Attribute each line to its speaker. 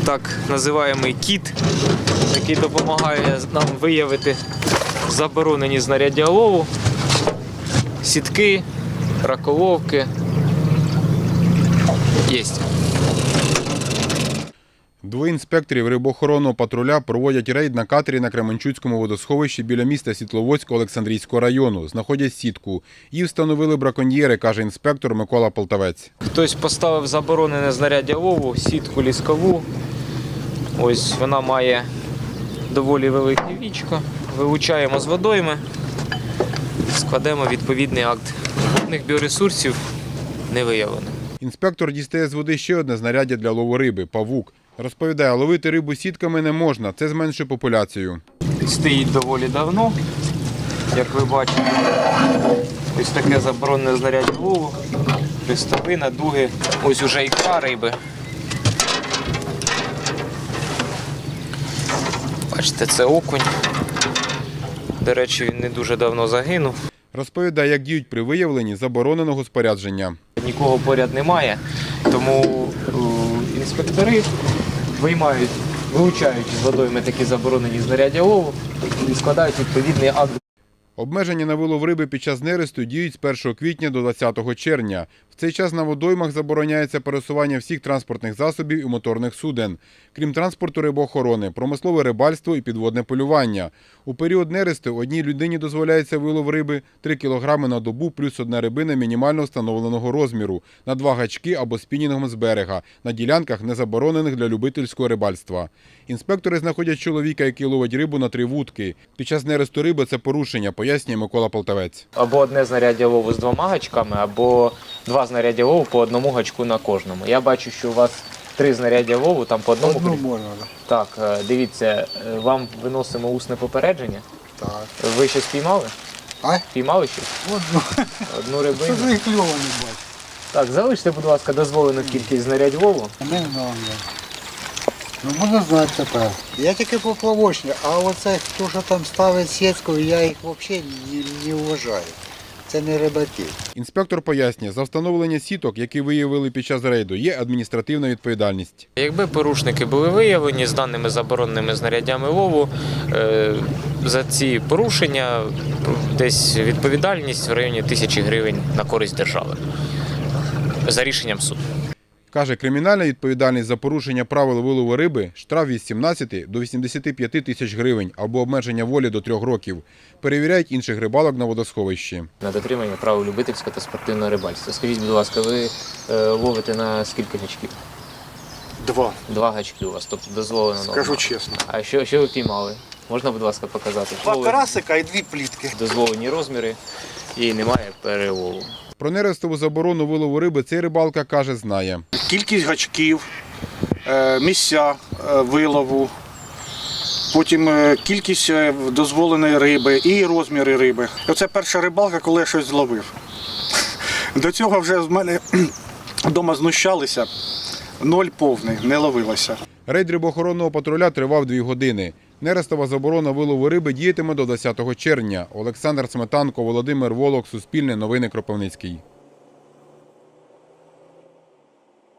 Speaker 1: так називаємий кіт, який допомагає нам виявити заборонені знаряддя лову, сітки, раколовки. Єсть.
Speaker 2: Двоє інспекторів рибоохоронного патруля проводять рейд на катері на Кременчуцькому водосховищі біля міста Світловодська Олександрійського району. Знаходять сітку. Її встановили браконьєри, каже інспектор Микола Полтавець.
Speaker 1: Хтось поставив заборонене знаряддя лову, сітку ліскову. Ось вона має доволі велике вічко. Вилучаємо з водойми, складемо відповідний акт. Водних біоресурсів не виявлено.
Speaker 2: Інспектор дістає з води ще одне знаряддя для лову риби – павук. Розповідає, ловити рибу сітками не можна, це зменшує популяцію.
Speaker 1: Стоїть доволі давно, як ви бачите. Ось таке заборонене знаряддя лову, хрестовина, дуги. Ось уже ікра риби. Бачите, це окунь. До речі, він не дуже давно загинув.
Speaker 2: Розповідає, як діють при виявленні забороненого спорядження.
Speaker 1: Нікого поряд немає, тому інспектори вилучають з водойми такі заборонені знаряддя лову і складають відповідний акт.
Speaker 2: Обмеження на вилов риби під час нересту діють з 1 квітня до 20 червня. В цей час на водоймах забороняється пересування всіх транспортних засобів і моторних суден, крім транспорту рибоохорони, промислове рибальство і підводне полювання. У період нересту одній людині дозволяється вилов риби 3 кг на добу плюс одна рибина мінімально встановленого розміру, на 2 гачки або спінінгом з берега, на ділянках, не заборонених для любительського рибальства. Інспектори знаходять чоловіка, який ловить рибу на 3 вудки. Під час нересту риби це порушення, пояснює Микола Полтавець.
Speaker 1: Або одне знаряддя лову з 2 гачками, або 2 знаряддя лову по 1 гачку на кожному. Я бачу, що у вас 3 знаряддя лову, там по одному.
Speaker 3: Одну можна,
Speaker 1: так. Так, дивіться, вам виносимо усне попередження.
Speaker 3: так.
Speaker 1: Ви щось піймали?
Speaker 3: А?
Speaker 1: Піймали щось? Одну рибину.
Speaker 3: Це ж їх кльово не бачу.
Speaker 1: Так, залиште, будь ласка, дозволену кількість знарядь лову.
Speaker 3: Не знаю. Ну, можна знати тепер. Я тільки поплавочник, а оце, хто що там ставить сітку, я їх взагалі не вважаю. Це не рибаки.
Speaker 2: Інспектор пояснює, за встановлення сіток, які виявили під час рейду, є адміністративна відповідальність.
Speaker 1: Якби порушники були виявлені з даними забороненими знаряддями лову, за ці порушення десь відповідальність в районі 1000 гривень на користь держави за рішенням суду.
Speaker 2: Каже, кримінальна відповідальність за порушення правил вилову риби – штраф від 17 до 85 тисяч гривень або обмеження волі до 3 років. Перевіряють інших рибалок на водосховищі.
Speaker 1: На дотримання правил любительського та спортивного рибальства. Скажіть, будь ласка, ви ловите на скільки гачків?
Speaker 4: 2.
Speaker 1: 2 гачки у вас, тобто дозволено норма.
Speaker 4: Скажу чесно.
Speaker 1: А що ви піймали? Можна, будь ласка, показати?
Speaker 4: 2 карасика і 2 плітки.
Speaker 1: Дозволені розміри і немає перелову.
Speaker 2: Про нерестову заборону вилову риби цей рибалка, каже, знає.
Speaker 4: Кількість гачків, місця вилову, потім кількість дозволеної риби і розміри риби. Оце перша рибалка, коли я щось зловив. До цього вже з мене вдома знущалися, 0 повний, не ловилося.
Speaker 2: Рейд рибоохоронного патруля тривав 2 години. Нерестова заборона вилову риби діятиме до 20 червня. Олександр Сметанко, Володимир Волок, Суспільне новини, Кропивницький.